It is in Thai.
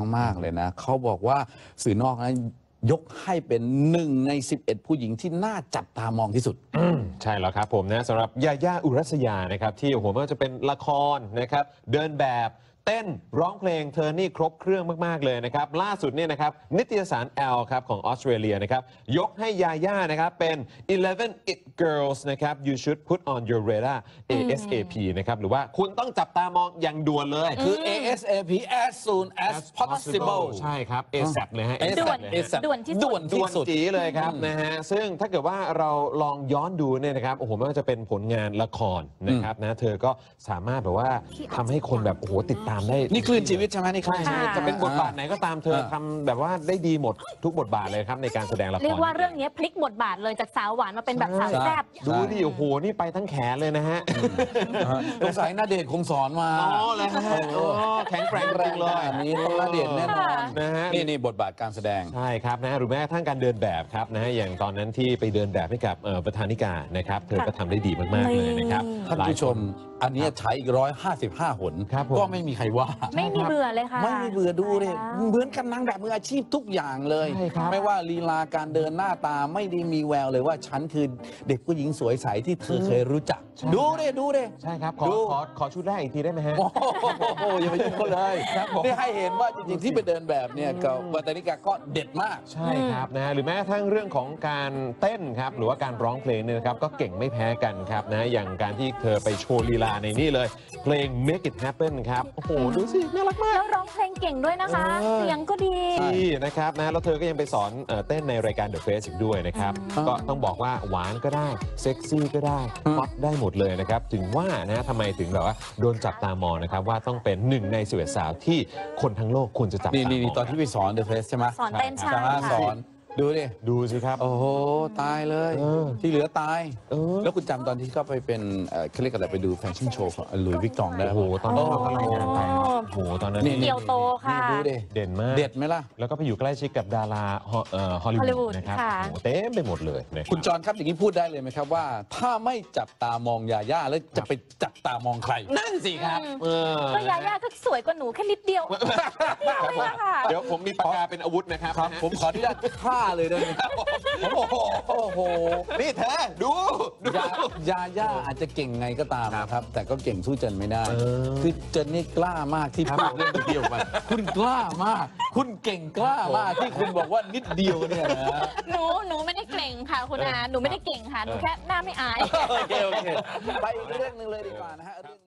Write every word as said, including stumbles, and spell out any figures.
มากๆเลยนะเขาบอกว่าสื่อนอกนะยกให้เป็นหนึ่งในสิบเอ็ดผู้หญิงที่น่าจับตามองที่สุดใช่แล้วครับผมนะสำหรับยาย่าอุรัสยานะครับที่โอ้โหไม่ว่าจะเป็นละครนะครับเดินแบบเต้นร้องเพลงเธอนี่ครบเครื่องมากๆเลยนะครับล่าสุดเนี่ยนะครับนิตยสาร Elle ครับของออสเตรเลียนะครับยกให้ยาย่านะครับเป็น eleven it girls นะครับ you should put on your radar เอ เอส เอ พี นะครับหรือว่าคุณต้องจับตามองอย่างด่วนเลยคือ เอ เอส เอ พี as soon as possible ใช่ครับ เอ แซป เลยฮะด่วน ด่วนที่สุดด่วนที่สุดจีเลยครับนะฮะซึ่งถ้าเกิดว่าเราลองย้อนดูเนี่ยนะครับโอ้โหไม่ว่าจะเป็นผลงานละครนะครับนะเธอก็สามารถแบบว่าทำให้คนแบบโอ้โหติดตามได้นี่คลื่นชีวิตใช่ไหมนี่คลื่นชีวิตจะเป็นบทบาทไหนก็ตามเธอทำแบบว่าได้ดีหมดทุกบทบาทเลยครับในการแสดงละครเรียกว่าเรื่องนี้พลิกบทบาทเลยจากสาวหวานมาเป็นแบบสาวแซ่บดูดิโอ้โหนี่ไปทั้งแขนเลยนะฮะสงสัยณเดชน์คงสอนมาอ๋อเลยฮะแข็งแกร่งจริงเลยอันนี้ต้องณเดชน์แน่นอนนะฮะนี่นี่บทบาทการแสดงใช่ครับนะหรือแม้กระทั่งการเดินแบบครับนะฮะอย่างตอนนั้นที่ไปเดินแบบให้กับประธานิกานะครับเธอก็ทำได้ดีมากๆเลยนะครับท่านผู้ชมอันนี้ใช้อีกร้อยห้าสิบห้าหนก็ไม่มีใครว่าไม่มีเบื่อเลยค่ะไม่มีเบื่อดูเลยเหมือนกันนางแบบมืออาชีพทุกอย่างเลยไม่ว่าลีลาการเดินหน้าตาไม่ได้มีแววเลยว่าฉันคือเด็กผู้หญิงสวยใสที่เธอเคยรู้จักดูเลยดูเลยใช่ครับขอขอขอชุดแรกอีกทีได้ไหมฮะโอ้โหอย่าไปยุ่งเขาเลยนี่ให้เห็นว่าจริงๆที่ไปเดินแบบเนี่ยกับวัตนิกาก็เด็ดมากใช่ครับนะหรือแม้กระทั่งเรื่องของการเต้นครับหรือว่าการร้องเพลงเนี่ยนะครับก็เก่งไม่แพ้กันครับนะอย่างการที่เธอไปโชว์ลีลาในนี่เลยเพลง Make It Happen ครับโอ้โหดูสิน่ารักมากแล้วร้องเพลงเก่งด้วยนะคะเสียงก็ดีนะครับนะแล้วเธอก็ยังไปสอนเต้นในรายการ The Face อีกด้วยนะครับก็ต้องบอกว่าหวานก็ได้เซ็กซี่ก็ได้ฮอตได้หมดเลยนะครับถึงว่านะทำไมถึงแบบว่าโดนจับตามองนะครับว่าต้องเป็นหนึ่งในสิบเอ็ดสาวที่คนทั้งโลกควรจะจับตามองนี่ตอนที่ไปสอน The Face ใช่ไหมสอนเต้นใช่สอนดูดิดูสิครับโอ้โหตายเลยที่เหลือตายแล้วคุณจำตอนที่เขาไปเป็นเขาเรียกอะไรไปดูแฟชั่นโชว์ของหลุยส์วิกตองได้โอ้โหตอนนั้นเราก็รายงานไปโอ้โหตอนนั้นเกียวโตค่ะดูดิเด่นมากเด็ดไหมล่ะแล้วก็ไปอยู่ใกล้ชิดกับดาราฮอลลีวูดนะครับโอ้โหเต็มไปหมดเลยคุณจอนครับอย่างนี้พูดได้เลยไหมครับว่าถ้าไม่จับตามองยาย่าแล้วจะไปจับตามองใครนั่นสิครับก็ยาย่าก็สวยกว่าหนูแค่นิดเดียวเดี๋ยวผมมีปากกาเป็นอาวุธนะครับผมขออนุญาตฆ่าเลยได้ไหมโอ้โหนี่เธอดูยาย่าอาจจะเก่งไงก็ตามนะครับแต่ก็เก่งสู้เจนไม่ได้คือเจนนี่กล้ามากที่พูดเรื่องเดียวกันคุณกล้ามากคุณเก่งกล้ามากที่คุณบอกว่านิดเดียวเนี่ยนะหนูหนูไม่ได้เก่งค่ะคุณอาหนูไม่ได้เก่งค่ะหนูแค่หน้าไม่อายโอเคโอเคไปอีกเรื่องนึงเลยดีกว่านะฮะ